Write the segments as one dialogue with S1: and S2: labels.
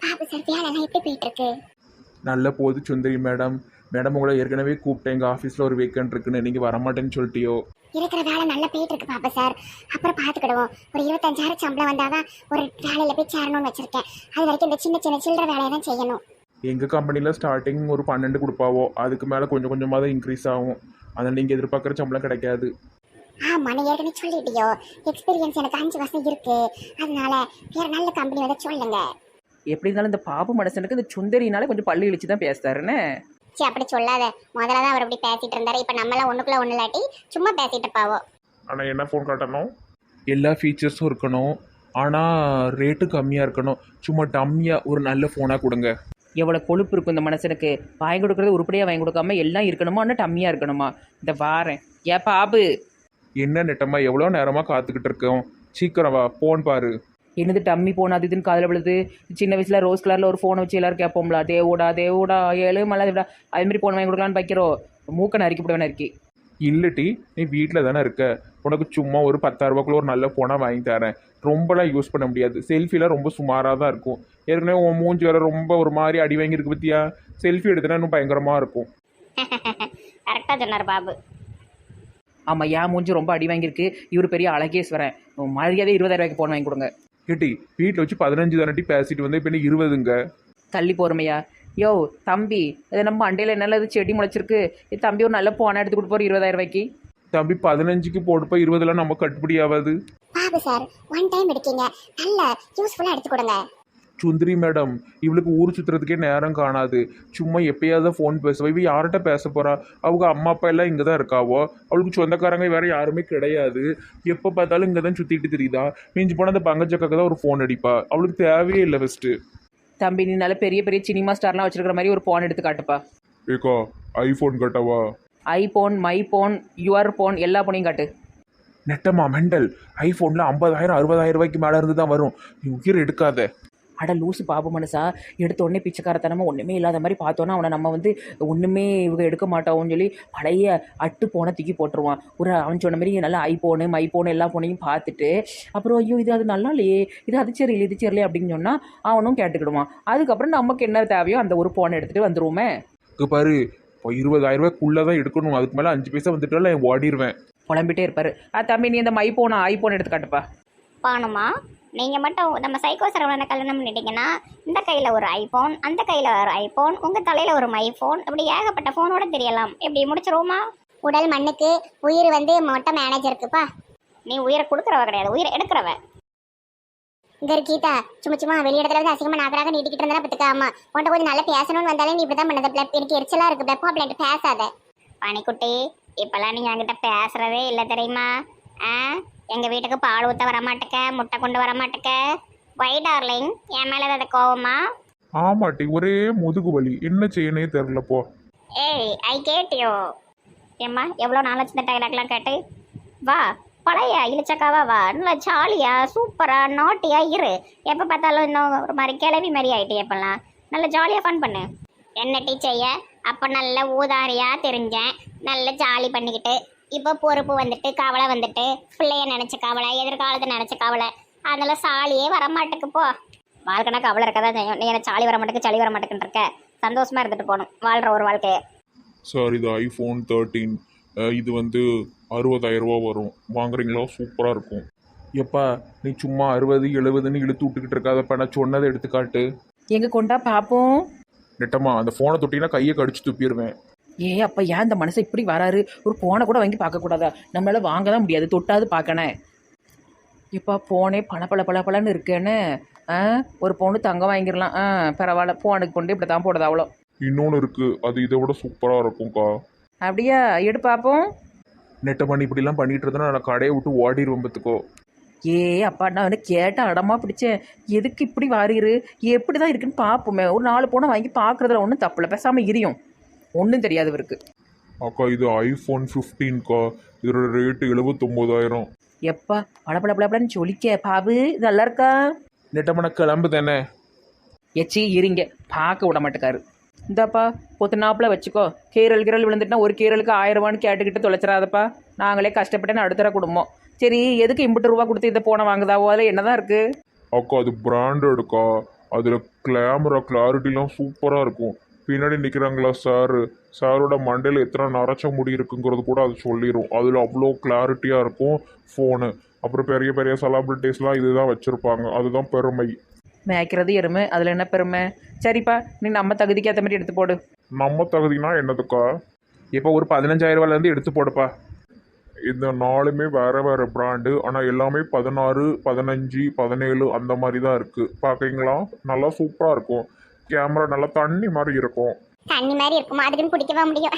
S1: Babu sir வேலைலாம் எப்படி போயிட்டு இருக்கு?
S2: நல்ல போது சுந்தரி மேடம். மேடம் உங்களை ஏற்கனவே கூப்பிட்டேன், எங்கள் ஆஃபீஸில் ஒரு வேக்கன்ட் இருக்குன்னு, நீங்கள் வரமாட்டேன்னு சொல்லிட்டியோ?
S1: இருக்கிற வேலை நல்லா போயிட்டு இருக்கு பாபு சார். அப்புறம் பார்த்துக்கிடுவோம். ஒரு 25,000 சம்பளம் வந்தாதான் ஒரு வேலையில போய் சேரணும்னு வச்சிருக்கேன். அது வரைக்கும் இந்த சின்ன சின்ன சில்லற வேலையை தான் செய்யணும்.
S2: எங்கள் கம்பெனியில் ஸ்டார்டிங் ஒரு 12 கொடுப்பாவோ, அதுக்கு மேலே கொஞ்சம் கொஞ்சமாக தான் இன்க்ரீஸ் ஆகும். அதனால் நீங்கள் எதிர்பார்க்குற சம்பளம் கிடைக்காது.
S1: ஆமா, நீ ஏற்கனவே சொல்லிட்டியோ. எக்ஸ்பீரியன்ஸ் எனக்கு 5 வருஷம் இருக்கு. அதனால வேற நல்ல கம்பெனி வந்து சொல்லுங்க.
S3: எப்படி இருந்தாலும் இந்த பாபு மனுஷனுக்கு இந்த சுந்தரினாலே கொஞ்சம் பள்ளி இழிச்சு தான் பேசுறாருன்னு.
S1: சரி, அப்படி சொல்லாத. முதல்ல தான் அவர் அப்படி பேசிட்டு இருந்தாரு. இப்போ நம்மளாம் ஒண்ணுக்குள்ள ஒண்ணு இல்லாட்டி சும்மா பேசிட்டு பாவோ.
S2: ஆனால் என்ன ஃபோன் காட்டணும்? எல்லா ஃபீச்சர்ஸும் இருக்கணும், ஆனால் ரேட்டு கம்மியாக இருக்கணும். சும்மா டம்மியாக ஒரு நல்ல ஃபோனாக கொடுங்க.
S3: எவ்வளோ கொழுப்பு இருக்கும் இந்த மனுஷனுக்கு. வாங்கி கொடுக்குறது உருப்படியாக வாங்கி கொடுக்காம எல்லாம் இருக்கணுமா, ஆனால் டம்மியாக இருக்கணுமா? இந்த வாரேன். ஏன் பாபு
S2: என்ன நெட்டமாக எவ்வளோ நேரமாக காத்துக்கிட்டு இருக்கோம், சீக்கிரம் வா, ஃபோன் பாரு.
S3: என்னது டம்மி ஃபோன் அது இதுன்னு காதில் விழுது. சின்ன வயசில் ரோஸ் கலரில் ஒரு ஃபோனை வச்சு எல்லாரும் கேட்போம்ல, தேவோடா தேவோடா ஏழு மல்லாதேடா, அதுமாரி ஃபோன் வாங்கி கொடுக்கலான்னு வைக்கிறோம். மூக்கை நறுக்கிவிடுவேன் இருக்கி.
S2: இல்லட்டி நீ வீட்டில் தானே இருக்க, உனக்கு சும்மா ஒரு 10,000 ரூபாய்க்குள்ள ஒரு நல்ல ஃபோனாக வாங்கி தரேன். ரொம்பலாம் யூஸ் பண்ண முடியாது, செல்ஃபிலாம் ரொம்ப சுமாராக தான் இருக்கும். ஏற்கனவே உன் மூஞ்சி வேறு ரொம்ப ஒரு மாதிரி அடி வாங்கியிருக்கு பற்றியா? செல்ஃபி எடுத்தனா இன்னும் பயங்கரமாக இருக்கும்.
S1: கரெக்டா சொன்னார் பாபு.
S3: ஆமாம், ஏன் மூஞ்சி ரொம்ப அடி வாங்கியிருக்கு. இவர் பெரிய அழகேஸ்வரன். மரியாதை 20,000 ரூபாய்க்கு ஃபோன் வாங்கி கொடுங்க.
S2: கேட்டி வீட்டில் வச்சு 15 தானட்டி பேசிட்டு வந்து இப்போ 20ங்க.
S3: தள்ளி போகிறமையா? யோ தம்பி, இது நம்ம அண்டையில் என்னெல்லாம் இது செடி முளைச்சிருக்கு. இது தம்பி ஒரு நல்ல ஃபோனை எடுத்து கொடுப்போம் 20,000 ரூபாய்க்கு.
S2: தம்பி 15க்கு போடுப்பா, 20லாம் நம்ம கட்டுப்படி ஆகாது.
S1: பாபு சார், ஒன் டைம் எடுக்கீங்க, நல்ல யூஸ்ஃபுல்லா எடுத்து கொடுங்க.
S2: சுந்தரி மேடம், இவளுக்கு ஊர் சுற்றுறதுக்கே நேரம் காணாது. சும்மா எப்பயாவது ஃபோன் பேசுவா. இவ யார்கிட்ட பேச போறா? அவங்க அம்மா அப்பா எல்லாம் இங்கே தான் இருக்காவோ. அவளுக்கு சொந்தக்காரங்க வேற யாருமே கிடையாது. எப்போ பார்த்தாலும் இங்கே தான் சுற்றிட்டு தெரியுதா. மிஞ்சி போனால் அந்த பங்கஜக்காக்கு தான் ஒரு ஃபோன் அடிப்பா. அவளுக்கு தேவையே இல்லை ஃபஸ்ட்டு.
S3: தம்பி நீ நல்ல பெரிய பெரிய சினிமா ஸ்டார்லாம் வச்சிருக்கிற மாதிரி ஒரு ஃபோன் எடுத்து காட்டுப்பா.
S2: ஏக்கா ஐஃபோன் கட்டவா?
S3: IPhone, my phone, your phone, எல்லா ஃபோனையும் காட்டு.
S2: நெட்டமா மெண்டல், ஐஃபோனில் 50,000 60,000 ரூபாய்க்கு மேலே இருந்து தான் வரும். நீ உயிர் எடுக்காத.
S3: அட லூசு பாபு மனுஷா, எடுத்த உடனே பிச்சைக்காரத்தனமாக ஒன்றுமே இல்லாத மாதிரி பார்த்தோன்னா அவனை நம்ம வந்து ஒன்றுமே இவங்க எடுக்க மாட்டோம்னு சொல்லி பழைய அட்டு போனை தூக்கி போட்டுருவான். ஒரு அவன் சொன்ன மாதிரி நல்லா ஐஃபோனு மை ஃபோனு எல்லா ஃபோனையும் பார்த்துட்டு அப்புறம் ஐயோ இது அது நல்லா இல்லையே, இது சரியில்லை இது சரியில்லை அப்படின்னு சொன்னால் அவனும் கேட்டுக்கிடுவான். அதுக்கப்புறம் நமக்கு என்ன தேவையோ அந்த ஒரு ஃபோனை எடுத்துகிட்டு வந்துடுவோமே.
S2: பாரு, இப்போ 20,000 ரூபாய்க்குள்ளே தான் எடுக்கணும். அதுக்கு மேலே 5 பைசா வந்துட்டாலும் ஓடிடுவேன்.
S3: புலம்பிட்டே இருப்பார். தம்பி நீ இந்த மை ஃபோனை ஐஃபோன் எடுத்து காட்டுப்பா.
S1: பானுமா, நீங்கள் மட்டும் நம்ம சைக்கோ சரவணனை கல்யாணம் பண்ணிட்டீங்கன்னா இந்த கையில் ஒரு ஐஃபோன், அந்த கையில் ஒரு ஐஃபோன், உங்கள் தலையில் ஒரு மைஃபோன், இப்படி ஏகப்பட்ட ஃபோனோட தெரியலாம். இப்படி முடிச்சிருவோமா? உடல் மண்ணுக்கு, உயிர் வந்து மொட்டை மேனேஜருக்குப்பா. நீ உயிரை கொடுக்குறவ கிடையாது, உயிரை எடுக்கிறவ. இங்கே கீதா, சும்மா வெளியிடத்துல வந்து அசிங்கமாக நாக்கராக நீட்டிக்கிட்டு இருந்தா பத்துக்காமா. உன்ட்ட கொஞ்சம் நல்லா பேசணும்னு வந்தாலே நீ இப்படி தான் பண்ணது. எனக்கு எரிச்சலாக இருக்கு. பிளப்பா பிள்ளைட்டு பேசாத. பனிக்குட்டி, இப்போல்லாம் நீ என்கிட்ட பேசுகிறதே இல்லை தெரியுமா? எங்கள் வீட்டுக்கு பால் ஊற்ற வரமாட்டேக்க, முட்டை கொண்டு வரமாட்டேக்க. வை டார்லிங், என் மேலே அதை கோவமா?
S2: ஆமாட்டி, ஒரே முதுகு வலி, என்ன செய்யனே தெரிலப்போ.
S1: ஏய், ஐ கேட்டியோ ஏம்மா, எவ்வளோ நாளாச்சு இந்த டைலாக்லாம் கேட்டு. வா, பழைய இழிச்சக்காவா வா, நல்லா ஜாலியா சூப்பரா நாட்டியா இரு. எப்போ பார்த்தாலும் இன்னும் ஒரு மாதிரி கிளவி மாதிரி ஆகிட்டு. எப்பெல்லாம் நல்லா ஜாலியாக ஃபன் பண்ணு. என்ன டீச்சைய அப்போ நல்ல ஊதாரியா தெரிஞ்சேன், நல்ல ஜாலி பண்ணிக்கிட்டு. இப்போ பொறுப்பு வந்துட்டு, கவலை வந்துட்டு, பிள்ளைய நினச்ச கவலை, எதிர்காலத்தை நினச்ச கவலை, அதெல்லாம் சாலியே வரமாட்டேக்கு. போ, வாழ்க்கைனா கவலை இருக்கதான் செய்யும். நீ எனக்கு சாலி வர மாட்டேக்கு, சளி வர மாட்டேக்குன்னு இருக்க. சந்தோஷமா இருந்துட்டு போகணும், வாழ்கிற ஒரு வாழ்க்கையை.
S2: சார், இது ஐஃபோன் 13. இது வந்து 60,000 ரூபா வரும். வாங்குறீங்களா? சூப்பராக இருக்கும். எப்பா நீ சும்மா 60 70ன்னு இழுத்து விட்டுக்கிட்டு இருக்காதப்பா. நான் சொன்னதை எடுத்துக்காட்டு.
S3: எங்கே கொண்டா பார்ப்போம்.
S2: நெட்டமா அந்த ஃபோனை தொட்டிங்கன்னா கையை கடிச்சு துப்பிடுவேன்.
S3: அப்போ ஏன் இந்த மனுஷன் இப்படி வராரு? ஒரு ஃபோனை கூட வாங்கி பார்க்கக்கூடாதா? நம்மளால வாங்க தான் முடியாது, தொட்டாது பார்க்கணே. இப்போ ஃபோனே பளபளன்னு இருக்கேன்னு ஒரு பொண்ணு தங்கம் வாங்கிடலாம். பரவாயில்ல, ஃபோனுக்கு கொண்டு இப்படி தான் போடுது அவ்வளோ.
S2: இன்னொன்று இருக்குது, அது இதை விட சூப்பராக இருக்கும்க்கா.
S3: அப்படியா? எடு பார்ப்போம்.
S2: நெட்டை பண்ணி இப்படிலாம் பண்ணிட்டு இருந்தா நான் கடையை விட்டு ஓடிடுவேன் பார்த்துக்கோ.
S3: அப்பா நான் வந்து கேட்ட அடமா பிடிச்சேன். எதுக்கு இப்படி வாரிரு? எப்படி தான் இருக்குன்னு பார்ப்போமே. ஒரு 4 ஃபோனை வாங்கி பார்க்குறதுல ஒன்றும் தப்பில்லை, பேசாமல் இரியும். ஒன்றும் தெரியாது இவருக்கு.
S2: அக்கா இது ஐஃபோன் 15க்கா. இதோட ரேட்டு 79,000.
S3: எப்பா பளபளன்னு சொல்லிக்க பாபு, இது நல்லா இருக்கா?
S2: நெட்டமான கிளம்பு தானே.
S3: எச்சி இருங்க, பார்க்க விட மாட்டேக்காரு. இந்தாப்பா பொத்துனாப்பில் வச்சுக்கோ. கீரல் விழுந்துட்டுனா ஒரு கீரலுக்கு 1000 ரூபான்னு கேட்டுக்கிட்டு தொலைச்சிடாதப்பா. நாங்களே கஷ்டப்பட்டேன்னு அடுத்தர குடும்பம். சரி, எதுக்கு 80 ரூபா கொடுத்து இதை போன வாங்குதாவோ? அதில் என்னதான் இருக்குது?
S2: அக்கா அது பிராண்டடுக்கா. அதில் கேமரா கிளாரிட்டிலாம் சூப்பராக இருக்கும். பின்னாடி நிற்கிறாங்களா சாரோட மண்டையில் எத்தனை நரைச்ச முடி இருக்குங்கிறது கூட அது சொல்லிடும். அதில் அவ்வளோ கிளாரிட்டியாக இருக்கும் ஃபோனு. அப்புறம் பெரிய பெரிய செலிபிரிட்டிஸ்லாம் இதுதான் வச்சுருப்பாங்க. அதுதான் பெருமை.
S3: மேய்க்கிறது எருமை, அதில் என்ன பெருமை? சரிப்பா, நீ நம்ம தகுதிக்கு ஏற்ற மாதிரி எடுத்து போடு.
S2: நம்ம தகுதினா என்னதுக்கா? இப்போ ஒரு 15,000 ரூபாயிலேருந்து எடுத்து போடுப்பா.
S4: இந்த நாலுமே வேறு வேறு பிராண்டு, ஆனால் எல்லாமே 16, 15, 17 அந்த மாதிரி தான் இருக்குது. பார்க்குறீங்களா? நல்லா சூப்பராக இருக்கும். கேமரா நல்லா தண்ணி மாதிரி இருக்கும்.
S1: தண்ணி மாதிரி இருக்குமா? அதுக்குன்னு குடிக்கவா முடியும்?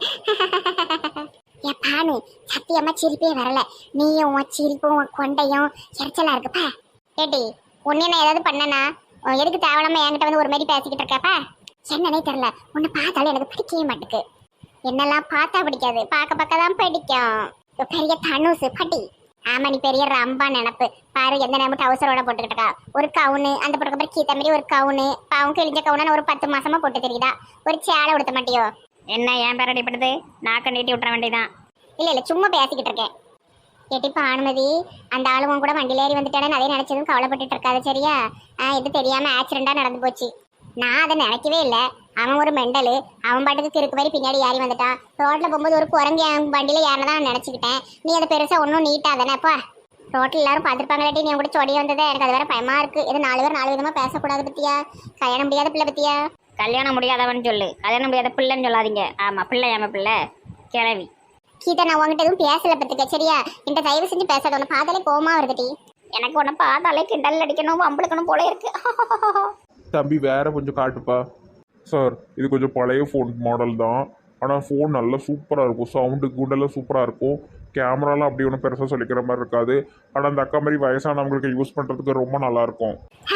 S1: என் பானு சத்தியமா சிரிப்பே வரல. நீயும் உன் சிரிப்பும் உன் கொண்டையும் எரிச்சலா இருக்குப்பா. ஏடி உன்னை நான் ஏதாவது பண்ணனா? எதுக்கு தேவலாம என்கிட்ட வந்து ஒரு மாதிரி பேசிக்கிட்டு இருக்கப்பா? என்னன்னே தெரியல, உன்னை பார்த்தாலும் எனக்கு பிடிக்கவே மாட்டுக்கு. என்னெல்லாம் பார்த்தா பிடிக்காது, பார்க்க தான் பிடிக்கும். பெரிய தனுசு பட்டி. ஆமா, நீ பெரிய ரம்பா நினப்பு பாரு. எந்த நேரம் டவுசரோட போட்டுக்கிட்டா ஒரு கவுனு, அந்த பக்கம் கீத்த மாதிரி ஒரு கவுனு, பாவம் கிழிஞ்ச கவுனு ஒரு 10 மாசமா போட்டு தெரியுதா? ஒரு சேலை உடுத்த மாட்டியோ? என்ன ஏன் பேர் அடிப்படுது? நாக்க நீட்டி விட்டுற வேண்டியதான். இல்ல சும்மா பேசிக்கிட்டு இருக்கேன். கேட்டிப்பா அனுமதி, அந்த ஆளுவன் கூட வண்டியில ஏறி வந்துட்டானே, அதே நினைச்சதும் கவலைப்பட்டுட்டு இருக்காது சரியா? இது தெரியாம ஆக்சிடென்டா நடந்து போச்சு. நான் அதை நினைக்கவே இல்லை. அவன் ஒரு மெண்டலு. அவன் பாட்டுக்கு கிறுக்கு மாதிரி பின்னாடி ஏறி வந்துட்டான். ரோட்ல போகும்போது ஒரு குரங்கு என் வண்டியில ஏறினதான் நினைச்சுக்கிட்டேன். நீ அதை பெருசா ஒன்றும் நீட்டா தானேப்பா. ரோட்டில் எல்லாரும் பார்த்துருப்பாங்களாட்டி நீ கூட சொடி வந்ததே. எனக்கு அது வேற பயமா இருக்கு. இது 4 பேர் 4 விதமா பேசக்கூடாது பத்தியா? கல்யாணம் முடியாத பிள்ளை பத்தியா? கல்யாணம் முடியாதவன் சொல்லு, கல்யாணம் முடியாத பிள்ளைன்னு சொல்லாதீங்க. ஆமா, பிள்ளை ஏமா பிள்ளை கிளவி. கீதா, நான் உங்ககிட்ட எதுவும் பேசல பத்துக்க சரியா? என்கிட்ட தயவு செஞ்சு பேசாத. உன்னை பார்த்தாலே கோவமா வருதுடி. எனக்கு உன்னை பார்த்தாலே கிண்டல் அடிக்கணும் அம்பளுக்கணும் போல இருக்கு.
S2: தம்பி வேற கொஞ்சம் காட்டுப்பா.
S4: சார், இது கொஞ்சம் பழைய ஃபோன் மாடல் தான். ஆனால் ஃபோன் நல்லா சூப்பராக இருக்கும். சவுண்டு கூண்டெல்லாம் சூப்பராக இருக்கும். கேமராலாம் அப்படி ஒன்றும் பெருசாக சொல்லிக்கிற மாதிரி இருக்காது. ஆனால் அந்த அக்கா மாதிரி வயசானவங்களுக்கு யூஸ் பண்ணுறதுக்கு ரொம்ப நல்லாயிருக்கும்.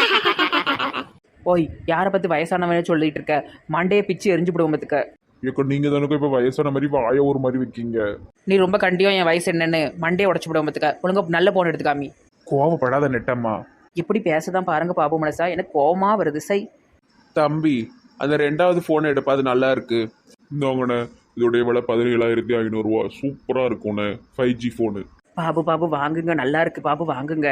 S3: ஓய், யாரை பற்றி வயசானவனே சொல்லிட்டு இருக்க? மண்டையை பிச்சு எரிஞ்சு விடுவோம் பத்துக்க.
S4: இப்போ நீங்கள் தானுக்கும் இப்போ வயசான மாதிரி வாய ஒரு மாதிரி வைக்கீங்க.
S3: நீ ரொம்ப கண்டியும் என் வயசு என்னன்னு மண்டையை உடச்சு விடுவோம் பத்துக்க. ஒழுங்கா நல்ல போன் எடுத்துக்காமி.
S2: கோவப்படாத நெட்டம்மா.
S3: எப்படி பேசதான் பாருங்க பாபு மனசா, எனக்கு கோவமா வருது. சை
S2: தம்பி, அந்த 2வது ஃபோன் எடுப்பா, அது நல்லா இருக்கு.
S4: இந்தாங்கண்ணே, இதோடைய விலை 17,500 ரூபா. சூப்பராக இருக்கும்ண்ணே, 5G ஃபோனு.
S3: பாபு வாங்குங்க, நல்லா இருக்கு பாபு வாங்குங்க.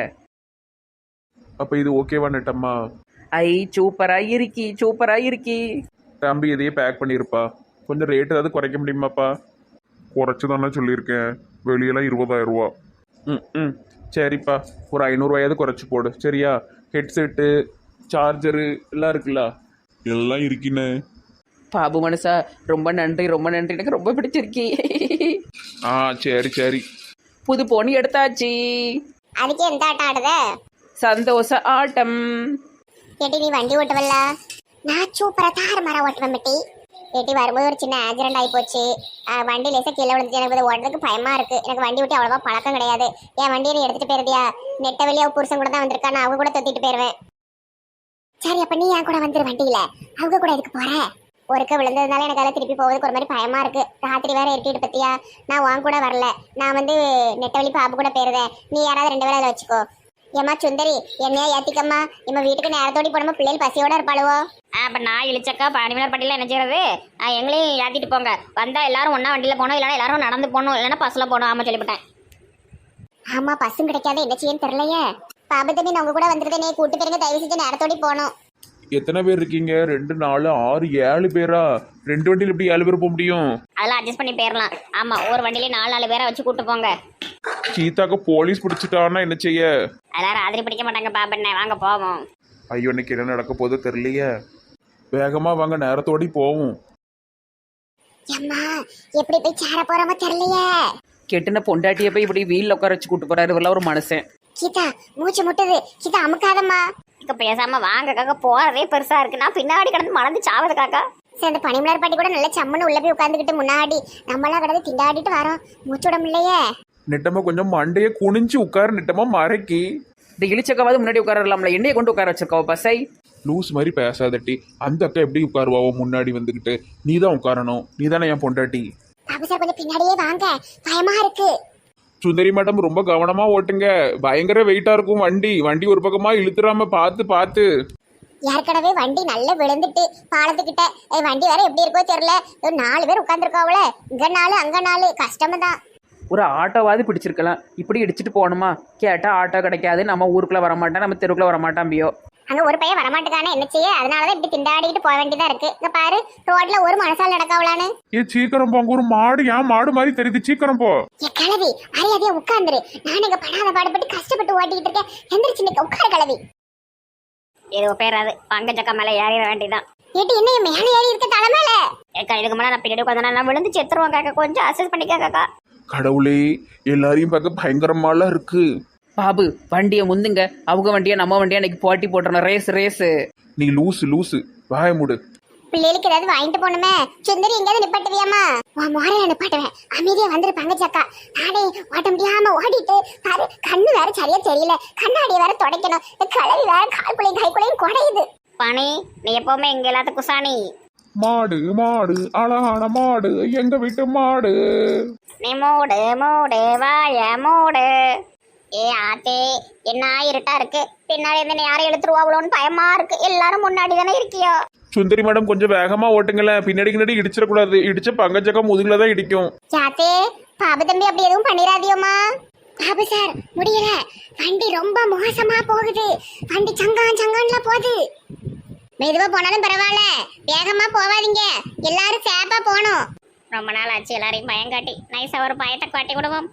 S2: அப்போ இது ஓகேவா நெட்டம்மா?
S3: ஐ சூப்பரா இருக்கி.
S2: தம்பி இதையே பேக் பண்ணியிருப்பா. கொஞ்சம் ரேட் ஏதாவது குறைக்க முடியுமாப்பா?
S4: குறைச்சி தானே சொல்லியிருக்கேன். வெளியெல்லாம் 20,000 ரூபா.
S2: ம் சரிப்பா, ஒரு 500 ரூபாயாவது குறைச்சி போடு சரியா? ஹெட்செட்டு சார்ஜரு எல்லாம் இருக்குல்ல?
S4: எல்லாம் இருக்கிண்ணே.
S3: பாபு மனசா ரொம்ப நன்றி, எனக்கு ரொம்ப பிடிச்சிருக்கி.
S2: ஆ சரி.
S3: புது போனி எடுத்தாச்சு.
S1: அதுக்கு எந்த ஆட்டம் ஆடுத?
S3: சந்தோஷ ஆட்டம்.
S1: கேட்டி நீ வண்டி ஓட்டுவல்ல? நான் சூப்பரா தாறுமாறா ஓட்டுவேன் பெட்டி. கேட்டி வரும்போது ஒரு சின்ன ஆக்சிடென்ட் ஆகி போச்சு. வண்டி லேசா கீழே விழுந்துச்சு. எனக்கு ஓட்டுறதுக்கு பயமா இருக்கு. எனக்கு வண்டி ஓட்டி அவ்வளவா பழக்கம் கிடையாது. என் வண்டியை நீ எடுத்துட்டு போயிருதியா? நெட்ட வெளியே புருஷன் கூட தான் வந்திருக்கா. நான் அவங்க கூட தொத்திட்டு போயிருவேன். சரி, அப்ப நீ என் கூட வந்துரு வண்டியில. அவங்க கூட எதுக்கு போற? ஒருக்க விழுந்ததுனால எனக்கு அதில் திருப்பி போவதுக்கு ஒரு மாதிரி பயமா இருக்கு. ராத்திரி வேற இருட்டிட்டு பத்தியா? நான் உன் கூட வரல. நான் நெட்டவழி பாபு கூட போயிருந்தேன். நீ யாராவது 2 பேரை அதில் வச்சுக்கோ. ஏமா சுந்தரி, என்னையா ஏத்திக்கம்மா. நம்ம வீட்டுக்கு நேரத்தோடி போனோமா, பிள்ளைகள் பசியோட இருப்பாளுவோ. அப்ப நான் இழிச்சக்கா பானிமலர் பட்டியல என்ன செய்யறது? எங்களையும் ஏத்திட்டு போங்க. வந்தா எல்லாரும் ஒன்னா வண்டியில போனோம், இல்லைன்னா எல்லாரும் நடந்து போகணும், இல்லைன்னா பஸ்ல போகணும். ஆமா சொல்லிவிட்டேன். ஆமா, பஸ்ஸும் கிடைக்காது, என்ன செய்யன்னு தெரியலையே. பாபு தம்பி, நான் உங்க கூட வந்துருந்தேன். நீ கூட்டு போயிருங்க, தயவு செஞ்சு நேரத்தோடி போகணும்.
S2: எத்தனை பேர் இருக்கீங்க? 2, 4, 6, 7 பேரா? 2 வண்டியில் எப்படி 7 பேர் போக முடியும்?
S1: அதெல்லாம் அட்ஜஸ்ட் பண்ணி போயிடலாம். ஆமா, ஒரு வண்டியிலே 4 பேரை வச்சு கூட்டு போங்க.
S2: சீதாக்கு போலீஸ் பிடிச்சிட்டான்னா என்ன செய்ய?
S1: அதெல்லாம் ராத்திரி பிடிக்க மாட்டாங்க பாபண்ணே. வாங்க போவோம்.
S2: ஐயோ, இன்னைக்கு என்ன நடக்க போதோ தெரியலையே. வேகமா வாங்க, நேரத்தோடி போவோம்.
S1: அம்மா, எப்படி போய் சேர போறோமோ தெரியலையே.
S3: கெட்டுன பொண்டாட்டியை போய் இப்படி வீல்ல உட்கார வச்சு கூட்டு போறாரு இவெல்லாம் ஒரு மனுஷன்.
S1: கீதா, மூச்சு முட்டுது. கீதா, அமுக்காதம்மா. இக்க பேசாம வாங்க காக்கா. போறதே பெருசா இருக்கு. நான் பின்னாடி கிடந்து மலர்ந்து சாவது காக்கா. சரி, அந்த பனிமலர் பாட்டி கூட நல்ல சம்மனு உள்ள போய் உட்காந்துக்கிட்டு முன்னாடி நம்மளாம் கிடந்து திண்டாடிட்டு வரோம். மூச்சு விட முடியலையே.
S2: நெட்டமா கொஞ்சம் மண்டையை குனிஞ்சு உட்காரு நெட்டமா, மறைக்கி.
S3: இந்த இழிச்சக்காவது முன்னாடி உட்காரலாம்ல, என்னைய கொண்டு உட்கார வச்சிருக்கோம் பசை.
S2: லூஸ் மாதிரி பேசாதட்டி. அந்த அக்கா எப்படி உட்காருவாவோ முன்னாடி வந்துக்கிட்டு? நீ தான் உட்காரணும். நீ தானே என் பொண்டாட்டி.
S1: பாபு சார், கொஞ்சம் பின்னாடியே வாங்க, பயமா இருக்கு.
S2: சுந்தரி மேடம், ரொம்ப கவனமா ஓட்டுங்க. பயங்கர வெயிட்டா இருக்கும் வண்டி ஒரு பக்கமா இழுத்துறாம பார்த்து.
S1: ஏற்கனவே வண்டி நல்லா விழுந்துட்டு பாலத்துக்கிட்ட. வண்டி வேற எப்படி இருக்கோ தெரியல. 4 பேர் உட்காந்துருக்காவுல. இங்க 4 அங்க 4. கஷ்டம்தான்.
S3: ஒரு ஆட்டோவாது பிடிச்சிருக்கலாம். இப்படி இடிச்சிட்டு போகணுமா? கேட்டா ஆட்டோ கிடைக்காது, நம்ம ஊருக்குள்ள வரமாட்டேன், நம்ம தெருக்குள்ள வரமாட்டான் பியோ.
S1: அங்க ஒரு பையன் வரமாட்டுக்கானே என்ன செய்ய, அதனாலதான் இப்படி திண்டாடிட்டு போக வேண்டியதா இருக்கு. இங்க பாரு, ரோட்ல ஒரு மனசால் நடக்காவலான்னு.
S2: ஏ சீக்கிரம் போங்க, ஒரு மாடு ஏன் மாடு மாதிரி தெரியுது, சீக்கிரம் போ.
S1: என் கிளவி மரியாதையா உட்கார்ந்துரு. நான் இங்க படாத பாடுபட்டு கஷ்டப்பட்டு ஓட்டிக்கிட்டு இருக்கேன். எந்திரிச்சு நிக்க, உட்கார கிளவி. ஏதோ பேராது பங்கஜக்கா மேல ஏறிட வேண்டியதான். ஏட்டு என்ன மேல ஏறி இருக்க தலை மேல? ஏக்கா இதுக்கு மேல நான் பின்னாடி உட்காந்து நான் விழுந்து செத்துருவேன் காக்கா, கொஞ்சம் அசஸ் பண்ணிக்காக்கா.
S2: கடவுளே, எல்லாரையும் பார்க்க பயங்கரமாலாம் இருக்கு.
S3: பாபு வண்டியை முந்துங்க, அவங்க வண்டியா நம்ம வண்டியா இன்னைக்கு போட்டி போட்டுறணும், ரேஸ் ரேஸ்.
S2: நீ லூசு வாய மூடு.
S1: பிள்ளைகளுக்கு ஏதாவது வாங்கிட்டு போகணுமே. சுந்தரி எங்கேயாவது நிப்பாட்டுவியாமா? உன் முறையில நிப்பாட்டுவேன், அமைதியா வந்துருப்பாங்க சக்கா. நானே ஓட்ட முடியாம ஓடிட்டு பாரு, கண்ணு வேற சரியா தெரியல, கண்ணாடியை வேற துடைக்கணும், இந்த கிளவி வேற கால்குலையும் கைக்குலையும் குடையுது. பணி நீ எப்பவுமே எங்க எல்லாத்துக்கும் குசானி.
S2: மாடு மாடு அழகான மாடு, எங்க வீட்டு மாடு.
S1: நீ மூடு மூடு வாய மூடு. ஏ ஆத்தே, என்ன இருட்டா இருக்கு, பின்னாடி இருந்து யாரும் எழுத்துருவாங்களோன்னு பயமா இருக்கு. எல்லாரும் முன்னாடி தானே இருக்கியோ.
S2: சுந்தரி மேடம் கொஞ்சம் வேகமா ஓட்டுங்களேன், பின்னாடி இடிச்சிடக்கூடாது, இடிச்ச பங்கஜக்கா முதுகுல தான் இடிக்கும்.
S1: யாத்தே, பாபு தம்பி அப்படி எதுவும் பண்ணிடாதியோமா. பாபு சார் முடியல, வண்டி ரொம்ப மோசமா போகுது, வண்டி சங்கான்ல போகுது. மெதுவா போனாலும் பரவாயில்ல, வேகமா போவாதீங்க, எல்லாரும் சேப்பா போகணும். ரொம்ப நாள் ஆச்சு எல்லாரையும் பயம் காட்டி, நைஸா ஒரு பயத்தை காட்டி விடுவோம்.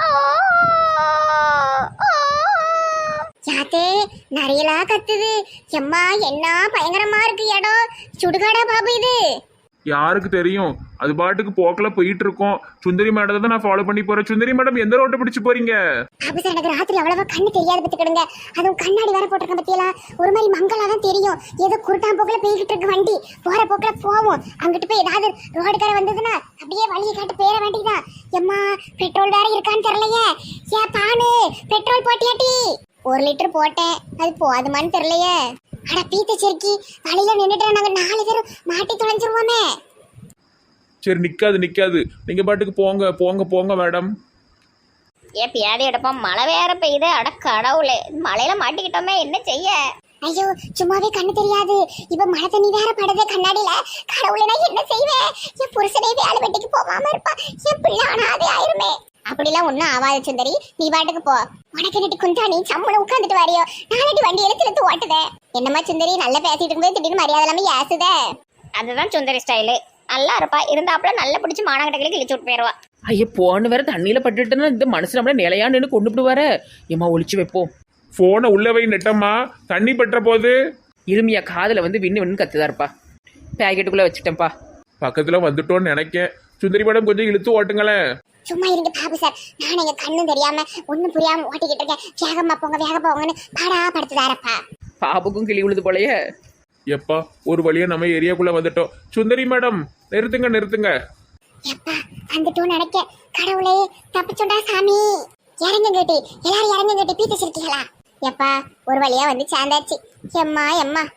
S1: யாத்தே நிறையலா கத்துது. எம்மா என்ன பயங்கரமா இருக்கு இடம். சுடுகாடா பாபு இது?
S2: யாருக்கு தெரியும், அது பாட்டுக்கு போக்கல போயிட்டு இருக்கோம். சுந்தரி மேடம் தான் நான் ஃபாலோ பண்ணி போறேன். சுந்தரி மேடம் எந்த ரோட்டை பிடிச்சு போறீங்க?
S1: பாபு சார் எனக்கு ராத்திரி அவ்வளவா கண்ணு தெரியாது பத்துக்கிடுங்க, அதுவும் கண்ணாடி வேற போட்டிருக்கேன் பத்தியெல்லாம், ஒரு மாதிரி மங்களா தான் தெரியும். ஏதோ குருட்டான் போக்குல போய்கிட்டு இருக்கு வண்டி, போற போக்குல போவோம். அங்கிட்டு போய் ஏதாவது ரோடுக்கார வந்ததுன்னா அப்படியே வழியை காட்டு பேர வேண்டியதான். எம்மா பெட்ரோல் வேற இருக்கான்னு தெரியலையே. ஏன் பானு பெட்ரோல் போட்டியாட்டி? 1 லிட்டர் போட்டேன், அது போதுமான்னு தெரியலையே. அட பீத்த செருக்கி, வழியில நின்றுட்டு நாங்க 4 பேரும் மாட்டி தொலைஞ்சிருவோமே.
S2: சரி நிக்காது, நீங்க பாட்டுக்கு போங்க போங்க போங்க மேடம்.
S1: ஏன் பியாதி எடுப்போம், மழை வேற பெய்யுது. அட கடவுளே, மழையில மாட்டிக்கிட்டோமே, என்ன செய்ய? ஐயோ சும்மாவே கண்ணு தெரியாது, இப்ப மழை தண்ணி வேற படுது கண்ணாடியில. கடவுளே நான் என்ன செய்வேன்? என் புருஷனே வேலை வெட்டிக்கு போகாம இருப்பா, என் பிள்ளை அனாதை ஆயிருமே. அப்படிலாம் ஒன்னும் ஆவாது சுந்தரி, நீ பாட்டுக்கு போ. உனக்கு நட்டு குந்தா நீ சம்பளம் உட்காந்துட்டு வாரியோ, நாளைக்கு வண்டி எடுத்து ஓட்டுதே. என்னம்மா சுந்தரி, நல்லா பேசிட்டு இருக்கும்போது திடீர்னு மரியாதை எல்லாமே ஏசுதே. அதுதான் சுந்தரி ஸ்டைலு, நல்லா இருப்பா, இருந்தாப்புல நல்லா பிடிச்சி மானகட்டைகளுக்கு இழிச்சு விட்டு போயிருவா.
S3: ஐயா போன வேற தண்ணியில பட்டுட்டுன்னா இந்த மனுஷன் நம்மள நிலையான்னு கொண்டு விடுவாரு. ஏமா ஒளிச்சு வைப்போம்.
S2: போனை உள்ள வை நெட்டம்மா, தண்ணி பற்ற போது.
S3: இருமியா காதுல வந்து விண்ணு கத்துதா இருப்பா. பேக்கெட்டுக்குள்ள வச்சுட்டேன்ப்பா.
S2: பக்கத்துல வந்துட்டோன்னு நினைக்கேன். சுந்தரி மேடம் கொஞ்சம் இழுத்து ஓட்டுங்களேன்.
S1: சும்மா இருங்க பாபு சார், நான் எங்க கண்ணும் தெரியாம ஒண்ணும் புரியாம ஓட்டிக்கிட்டு இருக்கேன். வேகமா போங்கன்னு பாடா படுத்துதாரப்பா.
S3: பாப்புக்கும் கிளி விழுது போலயே.
S2: எப்பா ஒரு வழியா நம்ம ஏரியாக்குள்ள வந்துட்டோம். சுந்தரி மேடம் நிறுத்துங்க.
S1: எப்பா வந்துட்டோம் நினைக்க. கடவுளே தப்பிச்சுண்டா சாமி. இறங்க கேட்டி, எல்லாரும் இறங்க கேட்டி, பீத்து சிரிக்கீங்களா? எப்பா ஒரு வழியா வந்து சேர்ந்தாச்சு. எம்மா